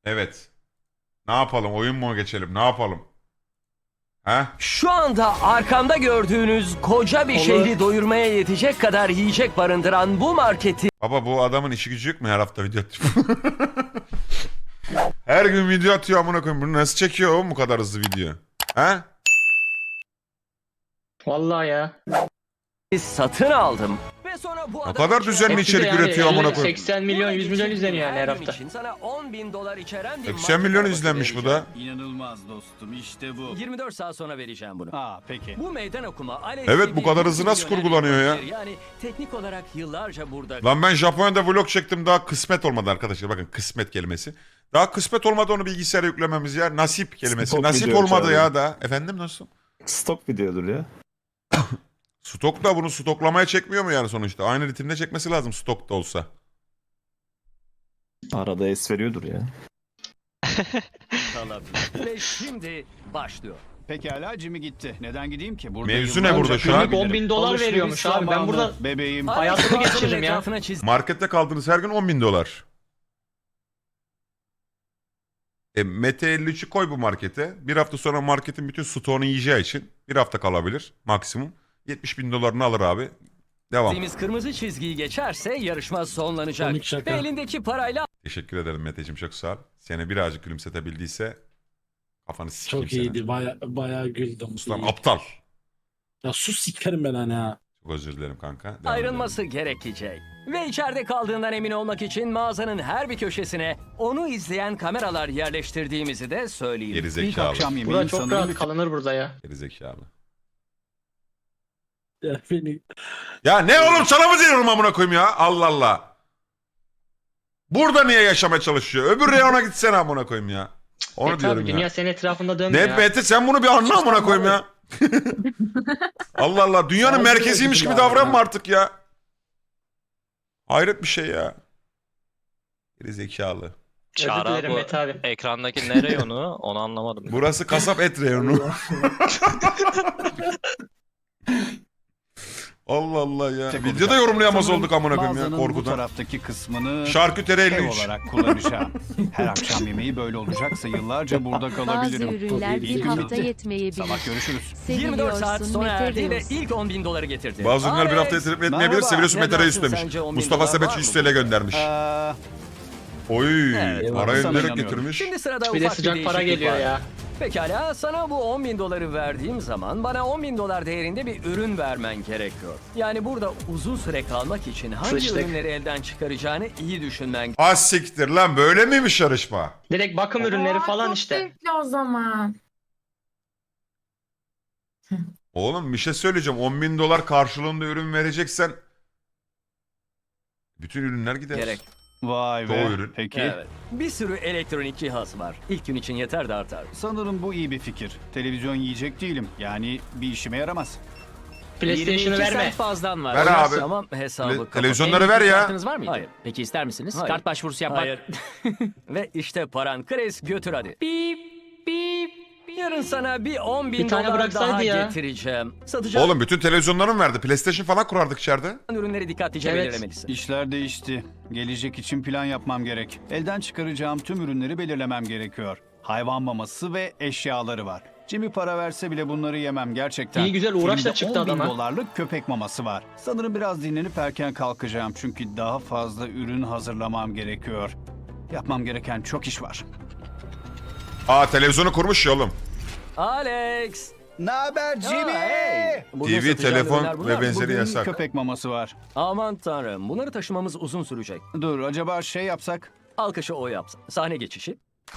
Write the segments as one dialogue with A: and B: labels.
A: Evet. Ne yapalım? Oyun mu geçelim? Ne yapalım? He?
B: Şu anda arkamda gördüğünüz koca bir şehri doyurmaya yetecek kadar yiyecek barındıran bu marketi
A: Baba bu adamın işi gücü yok mu her hafta video atıyor? Her gün video atıyor amına koyayım. Bunu nasıl çekiyor oğlum bu kadar hızlı video? He?
C: Vallahi ya.
B: satın aldım. Ve sonra bu
A: Ne kadar düzenli
C: Hepsi de
A: içerik
C: yani
A: üretiyor amına
C: 50,
A: koyayım.
C: 80 milyon 100 milyon izleniyor yani her hafta.
B: Için sana 10.000 dolar içeren bir
A: 80
B: market
A: milyon
B: arabası
A: izlenmiş bu
B: vereceğim.
A: da.
D: İnanılmaz dostum işte bu.
B: 24 saat sonra vereceğim bunu.
D: Ha peki.
B: Bu meydan okuma Alex
A: Evet,
B: gibi
A: bu kadar
B: bir
A: hızlı nasıl
B: milyoner
A: kurgulanıyor ya?
B: influencer. Yani teknik olarak yıllarca burada
A: Lan ben Japonya'da vlog çektim daha kısmet olmadı arkadaşlar. Bakın kısmet kelimesi. Daha kısmet olmadı onu bilgisayara yüklememiz ya. Nasip kelimesi.
E: Stok
A: Nasip
E: video
A: olmadı
E: çağırıyor.
A: ya da. Efendim nasıl?
E: Stok videodur ya.
A: Stok da bunu stoklamaya çekmiyor mu yani sonuçta? Aynı ritimde çekmesi lazım stok da olsa.
E: Arada es veriyordur ya.
B: kalabilir. Ve şimdi başlıyor.
D: Pekala Jimmy gitti. Neden gideyim ki? Burada
A: Mevzu ne
D: yıllarca
A: burada şu an?
D: kalabilirim.
C: 10.000 dolar
D: Alışveriş
C: veriyormuş abi. Ben
D: zamanı,
C: burada
D: bebeğim.
C: hayatımı
B: Alex
C: geçiririm ya.
B: etrafına çiz-
A: Markette kaldığınız her gün 10.000 dolar. Mete 53'ü koy bu markete. Bir hafta sonra marketin bütün stoğunu yiyeceği için bir hafta kalabilir maksimum. 70.000 dolarını alır abi. Devam.
B: Dediğimiz kırmızı çizgiyi geçerse yarışma sonlanacak. Ve elindeki parayla
A: Teşekkür ederim Meteciğim, çok sağ ol. Seni birazcık gülümsetebildiyse kafanı sikeyim
F: Çok
A: senin.
F: iyiydi. Bayağı güldüm.
A: Ulan
F: İyi.
A: aptal.
F: Ya sus sikerim ben hani ha.
A: Çok özür dilerim kanka. Devam
B: ayrılması gerekecek. Ve içeride kaldığından emin olmak için mağazanın her bir köşesine onu izleyen kameralar yerleştirdiğimizi de söyleyeyim.
A: Geri
D: İlk
A: zekalı.
D: akşam yemeği
C: Burada çok
D: sanırım
C: rahat
D: bir-
C: kalınır burada ya.
A: Geri zekalı.
F: Ya beni
A: Ya ne oğlum, sana mı diyorum amına koyayım ya? Allah Allah. Burada niye yaşamaya çalışıyor? Öbür reyona gitsene amına koyayım ya. Onu
C: Tabii
A: diyorum
C: dünya
A: ya.
C: senin etrafında
A: Ne
C: dönmüyor ya.
A: Mete, sen bunu bir anla amına koyayım ya. Allah Allah, dünyanın
F: Abi,
A: merkeziymiş gibi
F: abi
A: davranma
F: ya.
A: artık ya. Hayret bir şey ya. Geri zekalı.
C: Özür
G: Çağrı
C: dilerim
G: bu
C: Mete abi.
G: ekrandaki ne reyonu onu anlamadım.
A: Burası kasap et reyonu. Allah Allah ya.
D: Tek
A: Videoda
D: olacak.
A: yorumlayamaz
D: Sanırım
A: olduk amına koyayım ya
D: mağazanın bu
A: korkudan.
D: taraftaki kısmını
A: Şarküteri
D: ev
A: 53.
D: olarak kullanacağım. Her akşam yemeği böyle olacaksa yıllarca burada
H: Bazı
D: kalabilirim.
H: ürünler bir hafta
D: Sabah
H: yetmeyebilir.
D: görüşürüz.
B: 24 saat
H: Seviliyorsun
B: sonra erdi ve
H: Metereus.
B: ilk 10.000 doları getirdi.
A: Bazı ürünler bir hafta
B: Alex,
A: yetirip etmeyebilir.
D: Merhaba.
A: Seviyorsun
B: Ne
A: Mete Reis
B: dersin
A: demiş.
B: sence, 10.000
A: Mustafa
B: dolar
A: Sebet
B: var
A: 100
B: mı?
A: TL göndermiş. Oy,
B: Evet,
A: para
D: sana
A: göndererek
D: inanıyorum.
A: getirmiş.
B: Şimdi sırada
C: Bir de
B: ufak
C: sıcak para
B: değişiklik
C: geliyor
B: var.
C: ya.
B: Pekala, sana bu 10.000 doları verdiğim zaman bana 10.000 dolar değerinde bir ürün vermen gerekiyor. Yani burada uzun süre kalmak için hangi
C: Sıçtık.
B: ürünleri elden çıkaracağını iyi düşünmen
A: Az siktir lan, böyle miymiş yarışma?
C: Direkt bakım ürünleri falan
I: Çok
C: işte.
I: zevkli o zaman.
A: Oğlum bir şey söyleyeceğim. 10.000 dolar karşılığında ürün vereceksen bütün ürünler gider.
B: gerek.
D: Vay
A: Çoğu
D: be.
A: ürün.
D: Peki.
B: Evet. Bir sürü elektronik cihaz var. İlk gün için yeter de artar.
D: Sanırım bu iyi bir fikir. Televizyon yiyecek değilim. Yani bir işime yaramaz.
C: PlayStation'ı verme.
B: fazlan var.
A: Ver abi.
B: Tamam, hesabı kapat.
A: Televizyonları ver ya.
J: Kartınız var mıydı?
B: Hayır.
J: Peki ister misiniz?
B: Hayır.
J: Kart başvurusu yapmak.
B: Hayır. Ve işte paran. Chris götür hadi. Bip bip. Yarın sana bir 10.000
C: Bir tane
B: dolar
C: bıraksaydı
B: daha
C: ya.
B: getireceğim. Satacağın
A: Oğlum bütün televizyonları mı verdi? PlayStation falan kurardık içeride.
B: ürünleri dikkatlice
C: Evet.
B: belirlemelisin.
D: İşler değişti. Gelecek için plan yapmam gerek. Elden çıkaracağım tüm ürünleri belirlemem gerekiyor. Hayvan maması ve eşyaları var. Jimmy para verse bile bunları yemem gerçekten.
C: İyi güzel uğraş da
D: Elimde
C: çıktı
D: 10.000
C: adama.
D: dolarlık köpek maması var. Sanırım biraz dinlenip erken kalkacağım çünkü daha fazla ürün hazırlamam gerekiyor. Yapmam gereken çok iş var.
A: Aa, televizyonu kurmuş ya oğlum.
B: Alex.
D: Ne haber
B: Aa, hey. Burada
A: TV,
B: satacağın
A: telefon
B: ürünler bunlar.
A: ve benzeri
D: Bugün
A: yasak.
D: köpek maması var.
B: Aman tanrım, bunları taşımamız uzun sürecek.
D: Dur acaba şey yapsak?
B: Alkışı o yapsın. Sahne geçişi.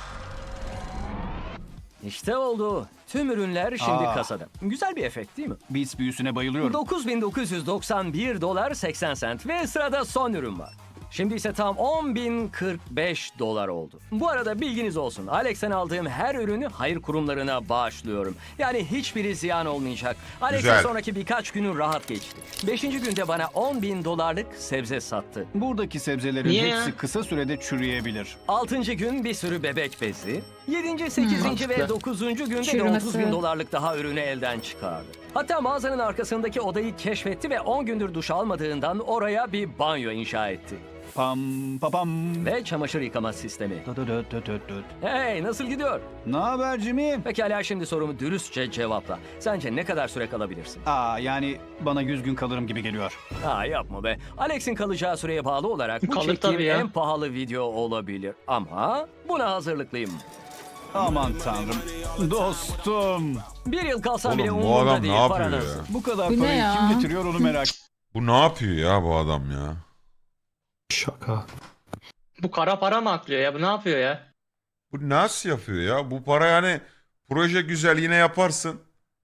B: İşte oldu. Tüm ürünler şimdi
D: Aa.
B: kasada. Güzel bir efekt değil mi?
D: Beats büyüsüne bayılıyorum.
B: 9.991 dolar 80 sent ve sırada son ürün var. Şimdi ise tam 10.045 dolar oldu. Bu arada bilginiz olsun. Alex'ten aldığım her ürünü hayır kurumlarına bağışlıyorum. Yani hiçbiri ziyan olmayacak. Alex'e
A: Güzel.
B: sonraki birkaç günü rahat geçti. 5. günde bana 10.000 dolarlık sebze sattı.
D: Buradaki sebzelerin
C: Niye
D: hepsi
C: ya?
D: kısa sürede çürüyebilir.
B: 6. gün bir sürü bebek bezi. 7. 8. ve
C: mantıklı.
B: 9. günde de
I: Çürümesi.
B: 30.000 dolarlık daha ürünü elden çıkardı. Hatta mağazanın arkasındaki odayı keşfetti ve 10 gündür duş almadığından oraya bir banyo inşa etti.
D: Pam papam.
B: Ve çamaşır yıkama sistemi.
D: Dö dö dö dö dö dö.
B: Hey, nasıl gidiyor?
D: Ne haber Jimmy?
B: Pekala, şimdi sorumu dürüstçe cevapla. Sence ne kadar süre kalabilirsin?
D: Yani bana 100 gün kalırım gibi geliyor.
B: Yapma be. Alex'in kalacağı süreye bağlı olarak bu
C: Kalır
B: çektiğim
C: tabii ya.
B: en pahalı video olabilir. Ama buna hazırlıklıyım.
D: Aman tanrım. Dostum.
B: Bir yıl kalsam bile
A: Oğlum bu
B: umurumda
A: adam
B: değil.
A: ne yapıyor
B: Para
A: ya?
B: nasıl?
D: Bu kadar
H: Bu ne
D: parayı
H: ya?
D: kim getiriyor onu merak.
A: Bu ne yapıyor ya bu adam ya?
E: Şaka.
C: Bu kara para mı aklıyor ya? Bu ne yapıyor ya?
A: Bu nasıl yapıyor ya? Bu para yani proje güzel yine yaparsın.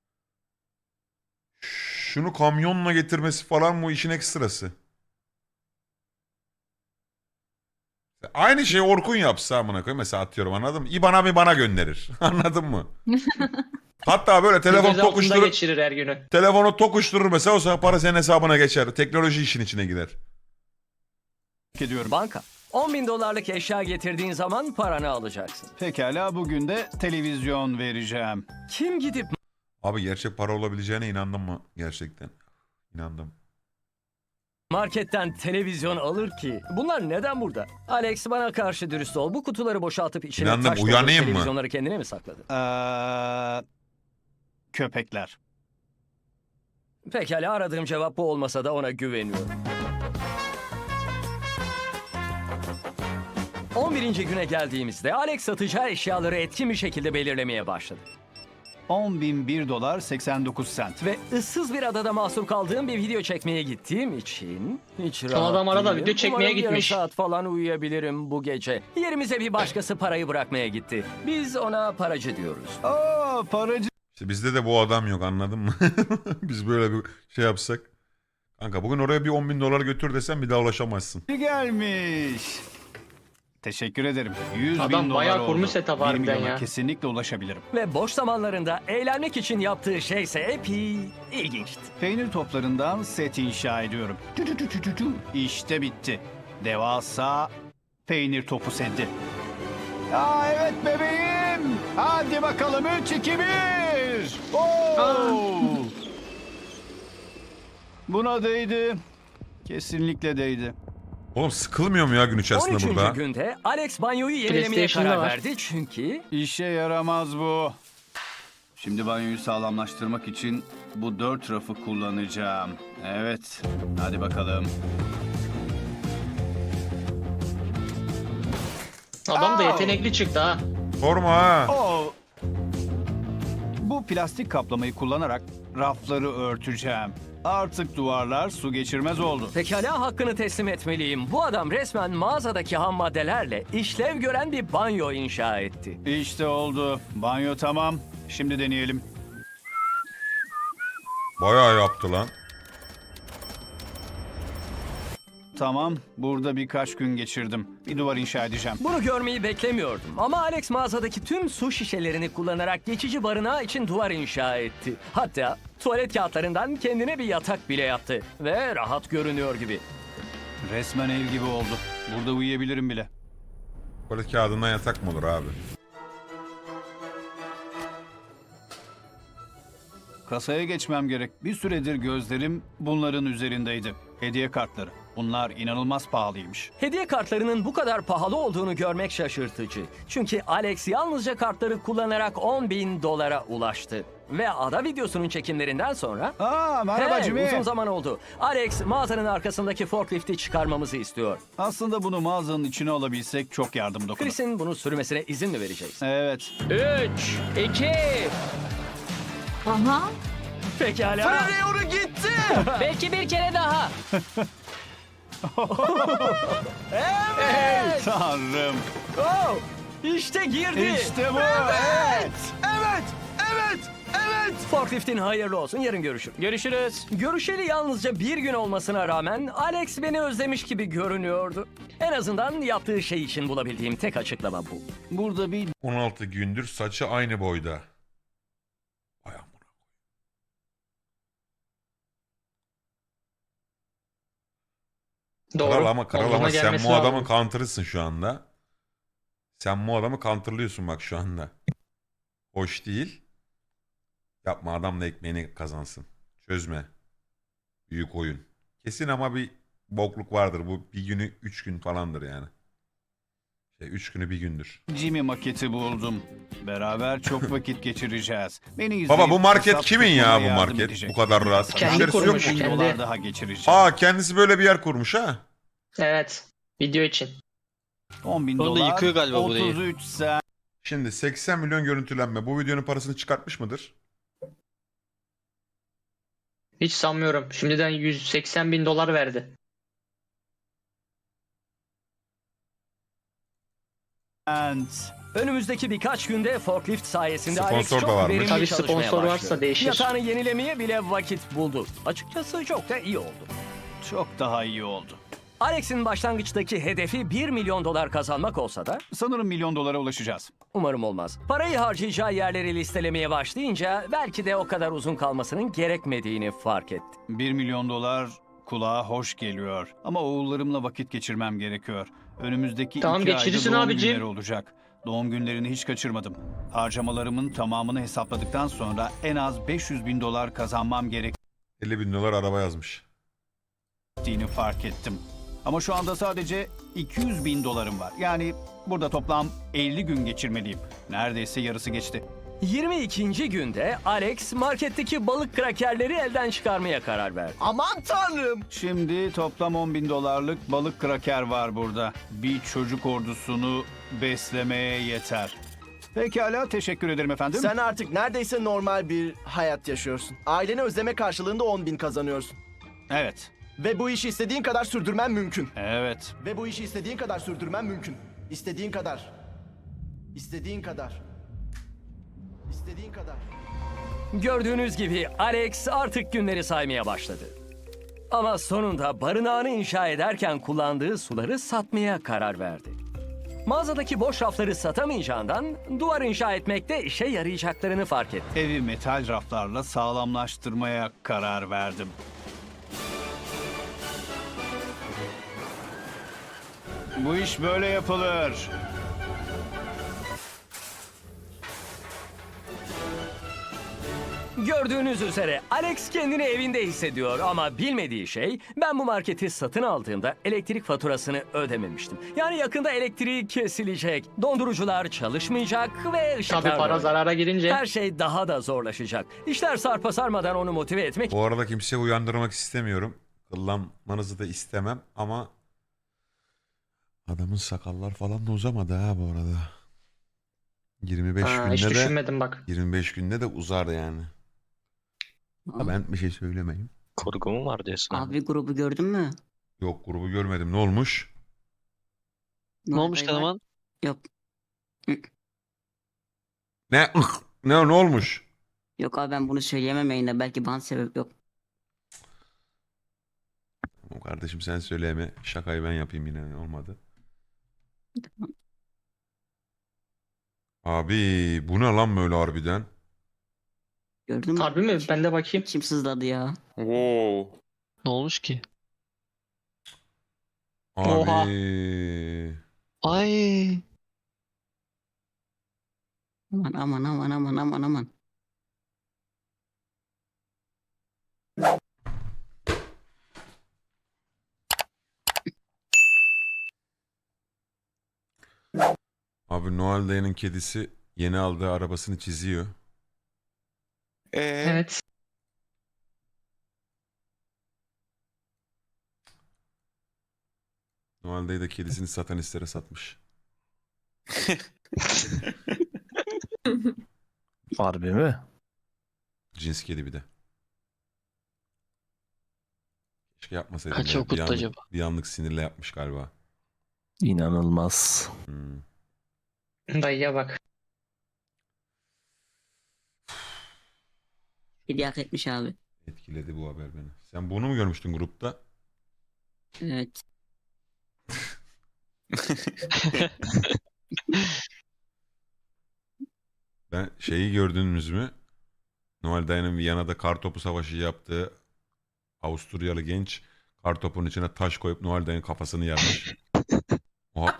A: Şunu kamyonla getirmesi falan bu işin ekstrası. Aynı şeyi Orkun yapsa amına koyayım mesela atıyorum anladın mı? İBAN'a gönderir. Anladın mı? Hatta böyle telefon
C: Göz altında
A: tokuşturur.
C: geçirir her günü.
A: Telefonu tokuşturur mesela o zaman para senin hesabına geçer. Teknoloji işin içine girer.
D: ediyorum.
B: Banka. 10 bin dolarlık eşya getirdiğin zaman paranı alacaksın.
D: Pekala bugün de televizyon vereceğim.
B: Kim gidip
A: Abi gerçek para olabileceğine inandın mı? Gerçekten. İnandım.
B: marketten televizyon alır ki? Bunlar neden burada? Alex, bana karşı dürüst ol. Bu kutuları boşaltıp içine
A: İnandım,
B: taş doldurup
A: uyanayım mı?
B: televizyonları kendine mi sakladın?
D: Köpekler.
B: Pekala, aradığım cevap bu olmasa da ona güveniyorum. 11. güne geldiğimizde Alex satacağı eşyaları etkin bir şekilde belirlemeye başladı.
D: 10.001 dolar 89 sent.
B: Ve ıssız bir adada mahsur kaldığım bir video çekmeye gittiğim için hiç rahat
C: adam arada
B: değilim.
C: video çekmeye
B: Umarım
C: gitmiş.
B: yarım saat falan uyuyabilirim bu gece. Yerimize bir başkası parayı bırakmaya gitti. Biz ona paracı diyoruz.
D: Paracı
A: İşte bizde de bu adam yok anladın mı? Biz böyle bir şey yapsak. Kanka bugün oraya bir 10 bin dolar götür desem bir daha ulaşamazsın.
D: gelmiş. Teşekkür ederim. 100
C: Adam
D: bin dolar
C: bayağı
D: oldu.
C: kurmuş setup
D: 1
C: harbiden
D: milyona
C: ya.
D: kesinlikle ulaşabilirim.
B: Ve boş zamanlarında eğlenmek için yaptığı şeyse epey ilginçti.
D: Peynir toplarından set inşa ediyorum. Tü tü tü tü tü tü. İşte bitti. Devasa peynir topu seti. Evet bebeğim. Hadi bakalım 3 2 1. Buna değdi. Kesinlikle değdi.
A: Oğlum sıkılmıyor mu ya gün içerisinde
B: 13.
A: burada?
B: günde Alex banyoyu yenilemeye
C: PlayStation'da
B: karar
C: var.
B: verdi çünkü
D: İşe yaramaz bu. Şimdi banyoyu sağlamlaştırmak için bu 4 rafı kullanacağım. Evet. Hadi bakalım.
C: Adam da yetenekli çıktı ha.
A: Sorma ha.
D: Bu plastik kaplamayı kullanarak rafları örteceğim. Artık duvarlar su geçirmez oldu.
B: pekala hakkını teslim etmeliyim. Bu adam resmen mağazadaki ham maddelerle işlev gören bir banyo inşa etti.
D: İşte oldu. Banyo tamam. Şimdi deneyelim.
A: Bayağı yaptı lan.
D: Tamam. Burada birkaç gün geçirdim. Bir duvar inşa edeceğim.
B: Bunu görmeyi beklemiyordum ama Alex mağazadaki tüm su şişelerini kullanarak geçici barınağı için duvar inşa etti. Hatta tuvalet kağıtlarından kendine bir yatak bile yaptı ve rahat görünüyor gibi.
D: Resmen ev gibi oldu. Burada uyuyabilirim bile.
A: Tuvalet kağıdından yatak mı olur abi?
D: Kasaya geçmem gerek. Bir süredir gözlerim bunların üzerindeydi. Hediye kartları. Bunlar inanılmaz pahalıymış.
B: Hediye kartlarının bu kadar pahalı olduğunu görmek şaşırtıcı. Çünkü Alex yalnızca kartları kullanarak 10 bin dolara ulaştı. Ve ada videosunun çekimlerinden sonra...
D: Merhaba
B: Hey,
D: Jimmy.
B: uzun zaman oldu. Alex mağazanın arkasındaki forklifti çıkarmamızı istiyor.
D: Aslında bunu mağazanın içine alabilsek çok yardım dokunur.
B: Chris'in bunu sürmesine izin mi vereceğiz?
D: Evet.
C: 3, 2,
H: Aha.
B: Pekala.
C: belki bir kere daha.
D: Tanrım.
B: Oh, işte girdi.
D: İşte bu.
B: Forkliftin hayırlı olsun. Yarın görüşürüz.
C: Görüşürüz.
B: Görüşeli yalnızca bir gün olmasına rağmen Alex beni özlemiş gibi görünüyordu. En azından yaptığı şey için bulabildiğim tek açıklama bu.
D: Burada bir
A: 16 gündür saçı aynı boyda. Ay amına.
C: Doğru.
A: Kral
C: Olduğuna
A: ama sen
C: gelmesi
A: bu adamın
C: lazım.
A: counter'ısın şu anda. Sen bu adamı counter'lıyorsun bak şu anda. Hoş değil. Yapma adam da ekmeğini kazansın. Çözme. Büyük oyun. Kesin ama bir bokluk vardır. Bu bir günü 3 gün falandır yani. 3 günü bir gündür.
D: Jimmy maketi buldum. Beraber çok vakit geçireceğiz. Beni izleyip
A: Baba bu market
D: hesap
A: kimin ya
D: tutmama
A: bu
D: yardım
A: market?
D: edecek.
A: Bu kadar rahat.
C: Kendi
A: Müşterisi yok
C: kurmuş.
A: mu?
D: $1000
C: Kendi.
D: daha geçireceğim.
A: Aa kendisi böyle bir yer kurmuş ha.
C: Evet. Video için.
D: $10.000
G: Sonra yıkıyor galiba burayı.
D: 33 sen.
A: Şimdi 80 milyon görüntülenme. Bu videonun parasını çıkartmış mıdır?
C: Hiç sanmıyorum. Şimdiden 180 bin dolar verdi.
B: Önümüzdeki birkaç günde forklift sayesinde Alex
A: Sponsor da
B: çok
A: varmış.
B: verimli
C: Tabii
B: çalışmaya
C: sponsor
B: başladı.
C: varsa değişir.
B: Yatağını yenilemeye bile vakit buldu. Açıkçası çok da iyi oldu.
D: Çok daha iyi oldu.
B: Alex'in başlangıçtaki hedefi 1 milyon dolar kazanmak olsa da
D: Sanırım $1 milyon ulaşacağız.
B: umarım olmaz. Parayı harcayacağı yerleri listelemeye başlayınca belki de o kadar uzun kalmasının gerekmediğini fark etti.
D: $1 milyon kulağa hoş geliyor. Ama oğullarımla vakit geçirmem gerekiyor. Önümüzdeki
C: Tamam,
D: 2 ayda
C: geçirirsin
D: doğum
C: abicim.
D: günleri olacak. Doğum günlerini hiç kaçırmadım. Harcamalarımın tamamını hesapladıktan sonra en az $500 bin kazanmam
A: 50 bin dolar araba yazmış.
D: gerektiğini fark ettim. Ama şu anda sadece $200 bin var. Yani burada toplam 50 gün geçirmeliyim. Neredeyse yarısı geçti.
B: 22. günde Alex marketteki balık krakerleri elden çıkarmaya karar verdi.
H: Aman tanrım.
D: Şimdi toplam $10 bin balık kraker var burada. Bir çocuk ordusunu beslemeye yeter. Pekala, teşekkür ederim efendim.
H: Sen artık neredeyse normal bir hayat yaşıyorsun. Aileni özleme karşılığında 10.000 kazanıyorsun.
D: Evet,
H: Ve bu işi istediğin kadar sürdürmen mümkün.
D: evet.
H: Ve bu işi istediğin kadar sürdürmen mümkün. İstediğin kadar. İstediğin kadar. İstediğin kadar.
B: Gördüğünüz gibi Alex artık günleri saymaya başladı. Ama sonunda barınağını inşa ederken kullandığı suları satmaya karar verdi. Mağazadaki boş rafları satamayacağından duvar inşa etmekte işe yarayacaklarını fark etti.
D: Evi metal raflarla sağlamlaştırmaya karar verdim. Bu iş böyle yapılır.
B: Gördüğünüz üzere Alex kendini evinde hissediyor ama bilmediği şey ben bu marketi satın aldığımda elektrik faturasını ödememiştim. Yani yakında elektriği kesilecek, dondurucular çalışmayacak ve ışıklar
C: Tabii para
B: da-
C: zarara girince.
B: Her şey daha da zorlaşacak. İşler sarpa sarmadan onu motive etmek
A: Bu arada kimseyi uyandırmak istemiyorum. Kıllanmanızı da istemem ama adamın sakallar falan da uzamadı ha bu arada. 25
C: Hiç
A: günde de
C: düşünmedim bak.
A: 25 günde de uzar yani. Ha, ben bir şey söylemeyeyim.
G: Kurgu mu var diyorsun?
I: Abi grubu gördün mü?
A: Yok grubu görmedim. Ne olmuş?
G: Ne olmuş
I: Noel var.
G: Kanaman?
I: Yok.
A: Ne ne olmuş?
I: Yok abi ben bunu söyleyemem yayında. Belki ban sebep yok.
A: O kardeşim sen söyleme. Şakayı ben yapayım yine olmadı. Abi bu ne lan böyle harbiden?
I: Gördün mü?
C: Harbi mi? Ben de bakayım.
I: Kim sızladı ya?
G: Ne olmuş ki?
A: Abi.
C: Oha.
G: Ay.
I: Aman aman aman aman aman aman.
A: Abi Noel dayının kedisi yeni aldığı arabasını çiziyor.
C: Evet.
A: Noel dayı da kedisini satanistlere satmış.
J: Harbi mi?
A: Cins kedi bir de. Keşke yapmasaydım
G: Kaç
A: ya.
G: okuttu
A: Bir anlık,
G: acaba?
A: bir anlık sinirle yapmış galiba.
J: İnanılmaz.
A: Hmm.
C: Dayıya bak.
I: Hediye hak etmiş abi.
A: Etkiledi bu haber beni. Sen bunu mu görmüştün grupta?
I: Evet.
A: Ben şeyi gördünüz mü? Noel dayının Viyana'da kartopu savaşı yaptığı Avusturyalı genç kartopun içine taş koyup Noel dayının kafasını yarmış. Oha.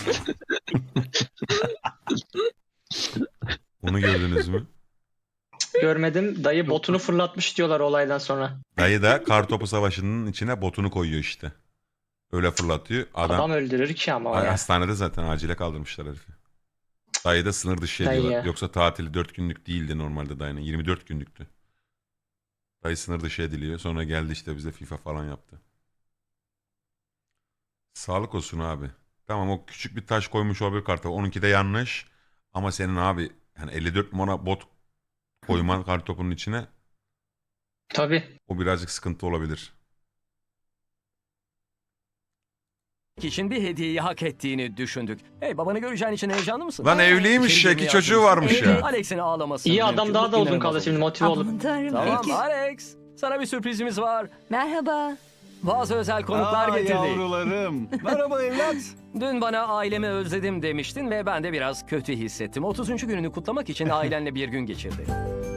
A: Onu gördünüz mü?
C: görmedim. Dayı botunu fırlatmış diyorlar olaydan sonra.
A: Dayı da kartopu savaşının içine botunu koyuyor işte. Öyle fırlatıyor.
C: Adam öldürür ki ama o
A: Ay,
C: ya.
A: hastanede zaten acile kaldırmışlar herifi. Dayı da sınır dışı
C: Dayı
A: ediyorlar.
C: ya.
A: Yoksa tatili 4 günlük değildi normalde dayının. 24 günlüktü. Dayı sınır dışı ediliyor. Sonra geldi işte bize FIFA falan yaptı. Sağlık olsun abi. Tamam o küçük bir taş koymuş olabilir kartopu. Onunki de yanlış. Ama senin abi yani 54 numara bot koyman kartopunun içine
C: Tabii.
A: o birazcık sıkıntı olabilir.
B: için bir hediyeyi hak ettiğini düşündük. Hey, babanı göreceğin için heyecanlı mısın?
A: Lan evliymiş
B: İçeri
A: ya,
B: girmeye
A: 2 çocuğu
B: hazır
A: varmış
B: mısın?
A: ya.
B: Alex'in ağlaması.
C: İyi adam
B: mümkün.
C: daha da uzun
B: İnanılmaz
C: kaldı şimdi
B: oldu.
C: motive olup.
K: Aman tanrım.
B: Tamam
K: Peki.
B: Alex. Sana bir sürprizimiz var.
K: Merhaba.
B: Bazı özel konuklar getirdik.
D: Yavrularım. Merhaba evlat.
B: Dün bana ailemi özledim demiştin ve ben de biraz kötü hissettim. 30. gününü kutlamak için ailenle bir gün geçirdi.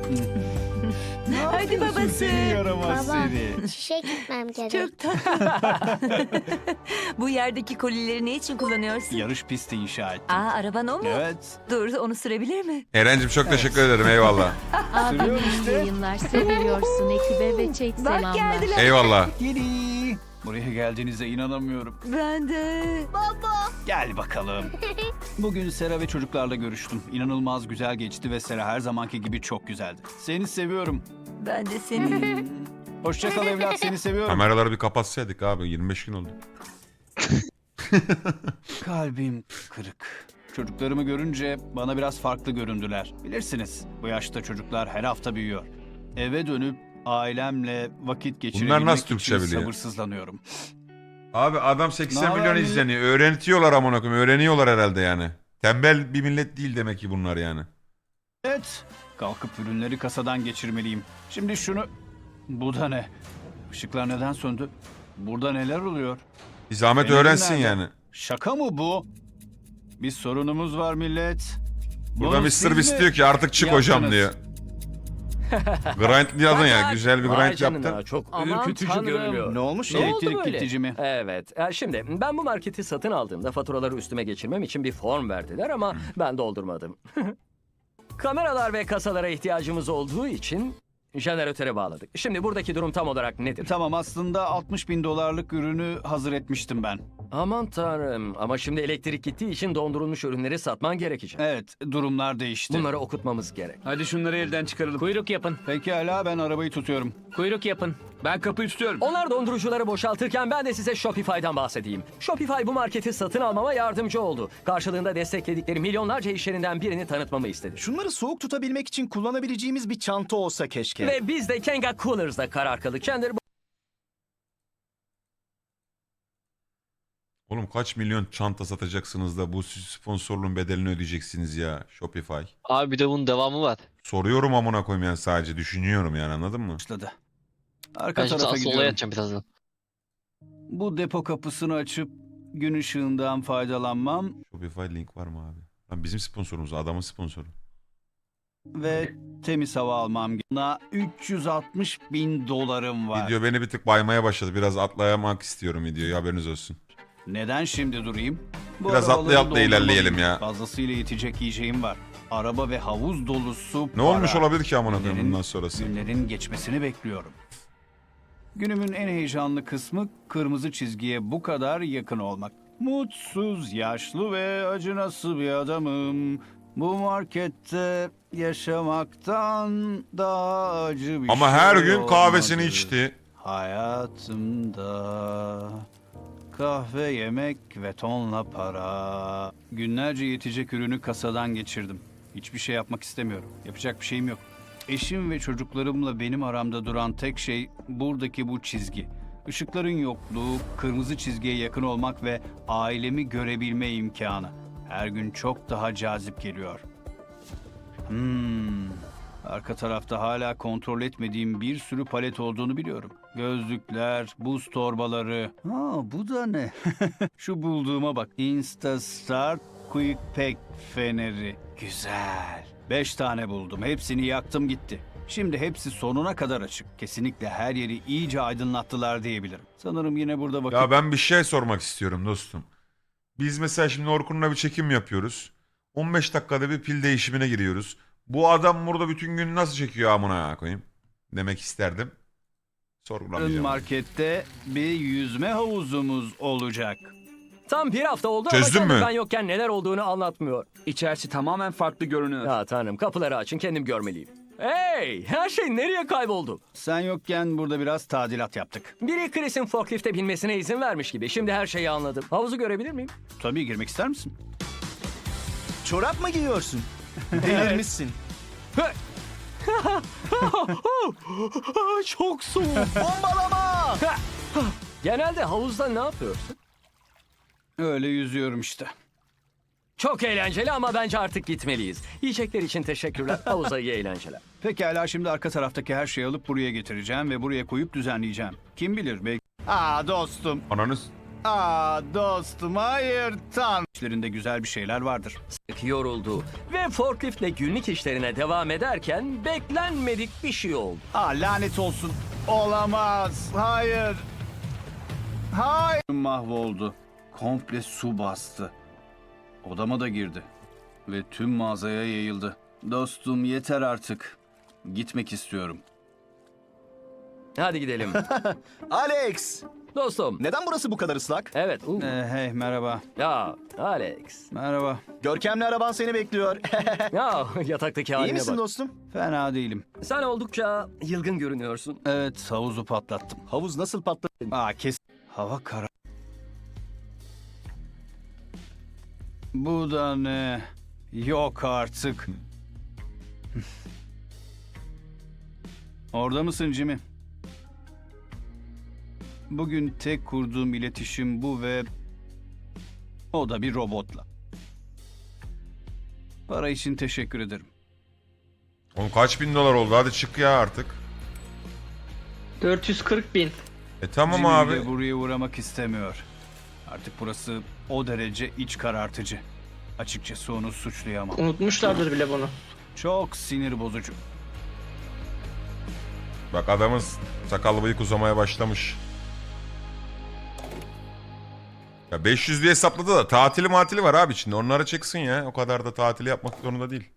K: Hadi
D: yapıyorsun
K: babası.
D: Seni yaramaz
K: Baba.
D: seni.
L: İşe gitmem gerek.
K: Çok tatlı. Bu yerdeki kolileri ne için kullanıyorsun?
D: Yarış pisti inşa ettim.
K: Aa, araban o mu?
D: Evet.
K: Dur, onu sürebilir mi?
A: Eren'cim çok teşekkür ederim eyvallah.
D: Sürüyorum işte.
L: Yayınlar seviyorsun ekibe ve chat
K: Bak
L: selamlar.
K: geldiler.
A: Eyvallah.
D: Yedi. Buraya geldiğinize inanamıyorum.
K: Ben de.
D: Gel bakalım. Bugün Sera ve çocuklarla görüştüm. İnanılmaz güzel geçti ve Sera her zamanki gibi çok güzeldi. Seni seviyorum.
K: Ben de seni.
D: Hoşça kal evlat, seni seviyorum.
A: Kameraları bir kapatsaydık abi 25 gün oldu.
D: Kalbim kırık. Çocuklarımı görünce bana biraz farklı göründüler. Bilirsiniz, bu yaşta çocuklar her hafta büyüyor. Eve dönüp ailemle vakit geçirebilmek
A: nasıl Türkçe
D: için
A: biliyor?
D: sabırsızlanıyorum.
A: Abi adam 80
D: Ne haber
A: milyon
D: millet?
A: izleniyor. Öğretiyorlar amına koyayım. Öğreniyorlar herhalde yani. Tembel bir millet değil demek ki bunlar yani.
D: Evet, kalkıp ürünleri kasadan geçirmeliyim. Şimdi şunu... Bu da ne? Işıklar neden söndü? Burada neler oluyor?
A: Bir zahmet
D: Benim
A: öğrensin
D: nerede?
A: yani.
D: Şaka mı bu? Bir sorunumuz var millet.
A: Burada
D: Bunu
A: Mr.
D: siz
A: Beast
D: mi
A: diyor ki artık çık hocam
D: yaptınız?
A: diyor. Grind yazın ya. Güzel bir
B: Vay
A: grind
B: canına,
A: yaptın.
B: çok
G: Aman
B: ürkütücü
G: tanrım.
B: görünüyor.
H: Ne olmuş?
B: Ne oldu
D: Elektrik
B: böyle?
D: kesici mi?
B: Evet. Şimdi ben bu marketi satın aldığımda faturaları üstüme geçirmem için bir form verdiler ama ben doldurmadım. Kameralar ve kasalara ihtiyacımız olduğu için jeneratöre bağladık. Şimdi buradaki durum tam olarak nedir?
D: Tamam, aslında 60 bin dolarlık ürünü hazır etmiştim ben.
B: Aman tanrım, ama şimdi elektrik gittiği için dondurulmuş ürünleri satman gerekecek.
D: Evet, durumlar değişti.
B: Bunları okutmamız gerek.
G: Hadi şunları elden çıkaralım. Kuyruk yapın.
D: Pekala, ben arabayı tutuyorum.
G: Kuyruk yapın. Ben kapıyı tutuyorum.
B: Onlar dondurucuları boşaltırken ben de size Shopify'dan bahsedeyim. Shopify bu marketi satın almama yardımcı oldu. Karşılığında destekledikleri milyonlarca iş yerinden birini tanıtmamı istedi.
H: Şunları soğuk tutabilmek için kullanabileceğimiz bir çanta olsa keşke.
B: Ve biz de Kenga Coolers'da karar kıldık. Chandler
A: Oğlum kaç milyon çanta satacaksınız da bu sponsorluğun bedelini ödeyeceksiniz ya Shopify.
G: Abi bir de bunun devamı var.
A: Soruyorum amına koyayım yani sadece düşünüyorum yani anladın mı?
D: Başladı. Arka
G: Ben şimdi
D: tarafa
G: asıl olaya
D: gidiyorum.
G: atacağım birazdan.
D: Bu depo kapısını açıp gün ışığından faydalanmam
A: Shopify link var mı abi? Lan bizim sponsorumuz adamın sponsoru.
D: ve temiz hava almam. Buna 360 bin dolarım var.
A: Video beni bir tık baymaya başladı. Biraz atlayamak istiyorum videoyu haberiniz olsun.
D: Neden şimdi durayım? Bu
A: Biraz
D: arabaları
A: atlaya atlaya ilerleyelim
D: doldurmalıyım.
A: ya.
D: Fazlasıyla yetecek yiyeceğim var. Araba ve havuz dolusu
A: Ne olmuş olabilir ki amına koyayım bundan sonrası?
D: Günlerin geçmesini bekliyorum. Günümün en heyecanlı kısmı kırmızı çizgiye bu kadar yakın olmak. Mutsuz, yaşlı ve acınası bir adamım. Bu markette yaşamaktan daha acı bir
A: Ama
D: şey
A: her gün kahvesini
D: olmadı.
A: içti.
D: Hayatımda kahve, yemek ve tonla para. Günlerce yetecek ürünü kasadan geçirdim. Hiçbir şey yapmak istemiyorum. Yapacak bir şeyim yok. Eşim ve çocuklarımla benim aramda duran tek şey buradaki bu çizgi. Işıkların yokluğu, kırmızı çizgiye yakın olmak ve ailemi görebilme imkanı. Her gün çok daha cazip geliyor. Arka tarafta hala kontrol etmediğim bir sürü palet olduğunu biliyorum. Gözlükler, buz torbaları. Bu da ne? Şu bulduğuma bak. Instastart Quick Pack feneri. Güzel. 5 tane buldum. Hepsini yaktım gitti. Şimdi hepsi sonuna kadar açık. Kesinlikle her yeri iyice aydınlattılar diyebilirim. Sanırım yine burada vakit...
A: Ya ben bir şey sormak istiyorum dostum. Biz mesela şimdi Orkun'la bir çekim yapıyoruz. 15 dakikada bir pil değişimine giriyoruz. Bu adam burada bütün gün nasıl çekiyor amına koyayım? Demek isterdim. Sorgulamayacağım.
D: Markette bir yüzme havuzumuz olacak.
B: Tam bir hafta oldu
A: Çözdün
B: ama kendi
A: mü?
B: ben yokken neler olduğunu anlatmıyor.
G: İçerisi tamamen farklı görünüyor.
B: Ya tanrım, kapıları açın, kendim görmeliyim. Hey, her şey nereye kayboldu?
D: Sen yokken burada biraz tadilat yaptık.
B: Biri Chris'in forklifte binmesine izin vermiş gibi. Şimdi her şeyi anladım. Havuzu görebilir miyim?
D: Tabii girmek ister misin?
H: Çorap mı giyiyorsun? Delirmişsin.
B: Çok soğuk.
H: Bombalama!
B: Genelde havuzda ne yapıyorsun?
D: Öyle yüzüyorum işte.
B: Çok eğlenceli ama bence artık gitmeliyiz. Yiyecekler için teşekkürler. Havuza iyi eğlenceler.
D: Pekala, şimdi arka taraftaki her şeyi alıp buraya getireceğim ve buraya koyup düzenleyeceğim. Kim bilir belki... dostum.
A: Ananız.
D: Dostum, hayır tanrım. İşlerinde güzel bir şeyler vardır.
B: Yoruldu ve forkliftle günlük işlerine devam ederken beklenmedik bir şey oldu.
D: Lanet olsun. Olamaz. Hayır. Hayır. Mahvoldu. Komple su bastı. Odama da girdi. Ve tüm mağazaya yayıldı. Dostum, yeter artık. Gitmek istiyorum.
B: Hadi gidelim.
H: Alex!
B: Dostum.
H: Neden burası bu kadar ıslak?
B: Evet.
D: Hey, merhaba.
B: Ya Alex.
D: Merhaba.
H: Görkemli araban seni bekliyor.
B: Ya yataktaki
H: İyi
B: haline
H: misin
B: bak.
H: dostum?
D: Fena değilim.
B: Sen oldukça yılgın görünüyorsun.
D: Evet, havuzu patlattım.
H: Havuz nasıl patladı?
D: Kes. Hava kara. Bu da ne? Yok artık. Orada mısın Jimmy? Bugün tek kurduğum iletişim bu ve o da bir robotla. Para için teşekkür ederim.
A: Oğlum kaç bin dolar oldu? Hadi çık ya artık.
C: 440 bin.
A: Tamam
D: Jimmy
A: abi.
D: de buraya uğramak istemiyor. Artık burası o derece iç karartıcı. Açıkçası onu suçlayamam.
C: Unutmuşlardır bile bunu.
D: Çok sinir bozucu.
A: Bak adamın sakallı bıyık uzamaya başlamış. Ya 500 diye hesapladı da tatili var abi içinde. Onları çeksin ya. O kadar da tatili yapmak zorunda değil.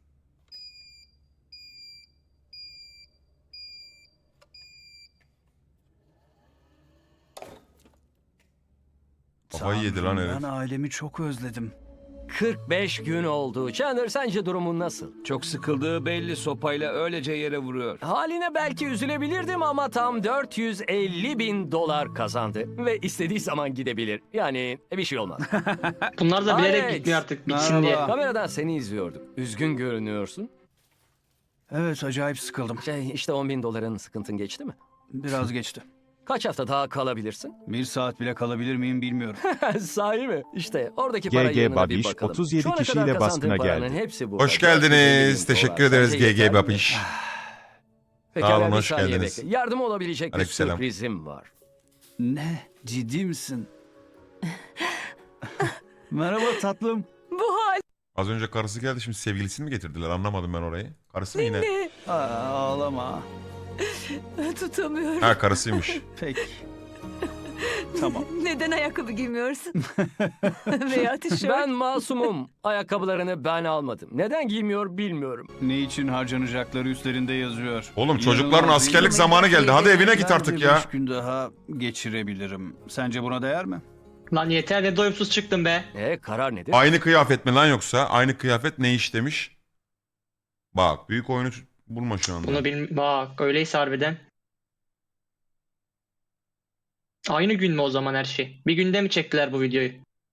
A: Kafayı yedi lan herif.
D: Ben ailemi çok özledim.
B: 45 gün oldu. Chandler, sence durumun nasıl?
G: Çok sıkıldığı belli, sopayla öylece yere vuruyor.
B: Haline belki üzülebilirdim ama tam 450 bin dolar kazandı. Ve istediği zaman gidebilir. Yani bir şey olmaz.
C: Bunlar da bilerek
B: Alex,
C: gitmiyor artık bitsin
D: merhaba.
C: diye.
B: Kameradan seni izliyordum. Üzgün görünüyorsun.
D: Evet, acayip sıkıldım.
B: İşte 10 bin doların sıkıntın geçti mi?
D: Biraz geçti.
B: Kaç hafta daha kalabilirsin?
D: 1 saat bile kalabilir miyim bilmiyorum.
B: Sahi mi? İşte oradaki para
M: GG
B: yığınına bir
M: Babiş
B: bakalım.
M: 37
B: Şu ana
M: kişiyle
B: kadar kazandığın
M: baskına
B: paranın
M: geldi.
B: hepsi bu.
A: Hoş
B: 450 bin
A: geldiniz.
B: dolar.
A: Teşekkür ederiz
B: Sence yeter
A: GG
B: mi?
A: Babiş.
B: Pekala,
A: Sağ olun,
B: bir
A: hoş
B: saniye
A: geldiniz.
B: bekle. Yardıma olabilecek bir
A: Aleykümselam.
B: sürprizim var.
D: Ne? Ciddi misin? Merhaba tatlım.
K: Bu hal
A: Az önce karısı geldi, şimdi sevgilisini mi getirdiler? Anlamadım ben orayı. Karısı mı yine?
D: Ağlama.
K: tutamıyorum.
A: Ha, karısıymış.
D: Peki. Tamam.
K: Neden ayakkabı giymiyorsun? Veya tişört.
B: Ben masumum. Ayakkabılarını ben almadım. Neden giymiyor bilmiyorum.
D: Ne için harcanacakları üstlerinde yazıyor.
A: Oğlum çocukların
D: İnanılmaz
A: askerlik
D: değil mi?
A: zamanı geldi. Hadi evine git
D: Bence
A: artık ya.
D: 5 gün daha geçirebilirim. Sence buna değer mi?
C: Lan yeter, ne doyumsuz çıktın be.
B: Karar nedir?
A: Aynı kıyafet mi lan yoksa? Aynı kıyafet ne iş demiş? Bak büyük oyunu bulma şu anda.
C: Bunu bak öyleyse harbiden. Aynı gün mü o zaman her şey? Bir günde mi çektiler bu videoyu?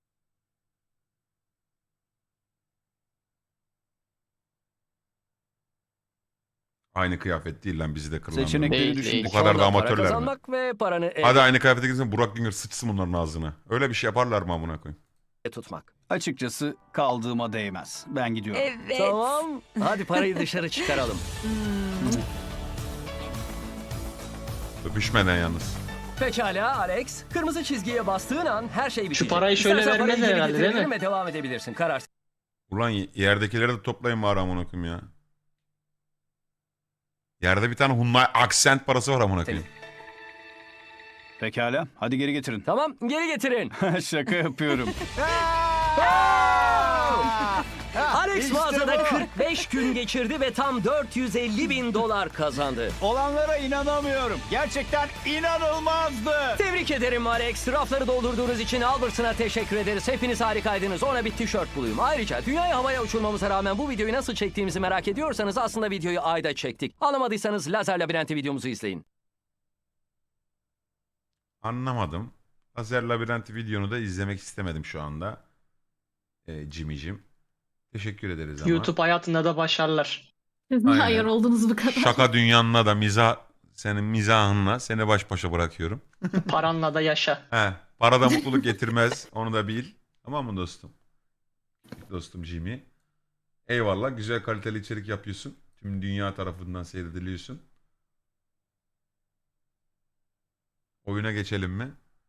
A: Aynı kıyafet değil lan, bizi de kırılan.
D: Seçenekleri
C: Değil,
D: düşündük.
C: değil.
A: Bu kadar da
B: Ondan para
A: amatörler mi?
B: kazanmak ve paranı
A: Hadi aynı kıyafete gitsin, Burak Güngör sıçsın bunların ağzına. Öyle bir şey yaparlar mı amına koyayım?
B: tutmak.
D: Açıkçası kaldığıma değmez. Ben gidiyorum.
K: Evet.
B: Tamam. Hadi parayı dışarı çıkaralım.
A: Öpüşmeden yalnız.
B: Pekala Alex. Kırmızı çizgiye bastığın an her şey bitecek.
C: parayı şöyle
B: İstersen parayı
C: vermezler
B: geri
C: herhalde, değil mi?
B: getirebilirim ve devam edebilirsin. Karar.
A: Ulan yerdekileri de toplayın bari amına koyayım ya. Yerde bir tane Hyundai Accent parası var amına koyayım.
D: Pekala. Hadi geri getirin.
B: Tamam, geri getirin.
D: Şaka yapıyorum.
B: Alex mağazada
D: bu.
B: 45 gün geçirdi ve tam 450 bin dolar kazandı.
D: Olanlara inanamıyorum. Gerçekten inanılmazdı.
B: Tebrik ederim Alex. Rafları doldurduğunuz için Albertson'a teşekkür ederiz. Hepiniz harikaydınız. Ona bir tişört bulayım. Ayrıca dünyayı havaya uçurmamıza rağmen bu videoyu nasıl çektiğimizi merak ediyorsanız aslında videoyu ayda çektik. Anlamadıysanız Lazer Labirenti videomuzu izleyin.
A: Anlamadım. Lazer Labirenti videonu da izlemek istemedim şu anda. Jimmy'cim. Teşekkür ederiz ama.
C: YouTube hayatında da başarılar.
A: Aynen.
L: Hayır oldunuz bu kadar.
A: Şaka dünyanla da senin mizahınla seni baş başa bırakıyorum.
C: Paranla da yaşa.
A: He, para da mutluluk getirmez. Onu da bil. Tamam mı dostum? Dostum Jimmy. Eyvallah. Güzel kaliteli içerik yapıyorsun. Tüm dünya tarafından seyrediliyorsun. Oyuna geçelim mi?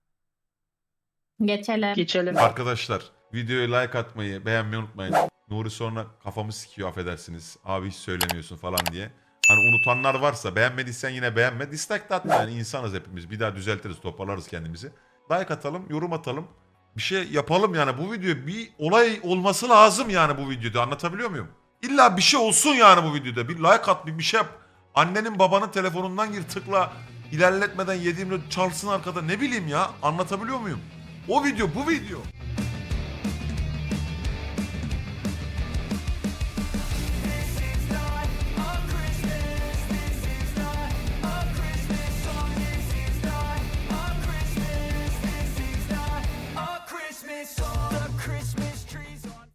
C: Geçelim.
A: Arkadaşlar videoya like atmayı, beğenmeyi unutmayın. Nuri sonra kafamı sikiyor affedersiniz. Abi hiç söylemiyorsun falan diye. Hani unutanlar varsa beğenmediysen yine beğenme. Dislike de atma yani insanız hepimiz. Bir daha düzeltiriz, toparlarız kendimizi. Like atalım, yorum atalım. Bir şey yapalım yani bu video bir olay olması lazım yani bu videoda anlatabiliyor muyum? İlla bir şey olsun yani bu videoda. Bir like at, bir şey yap. Annenin babanın telefonundan gir tıkla. İlerletmeden 7/24 çalsın arkada ne bileyim ya anlatabiliyor muyum? O video bu video.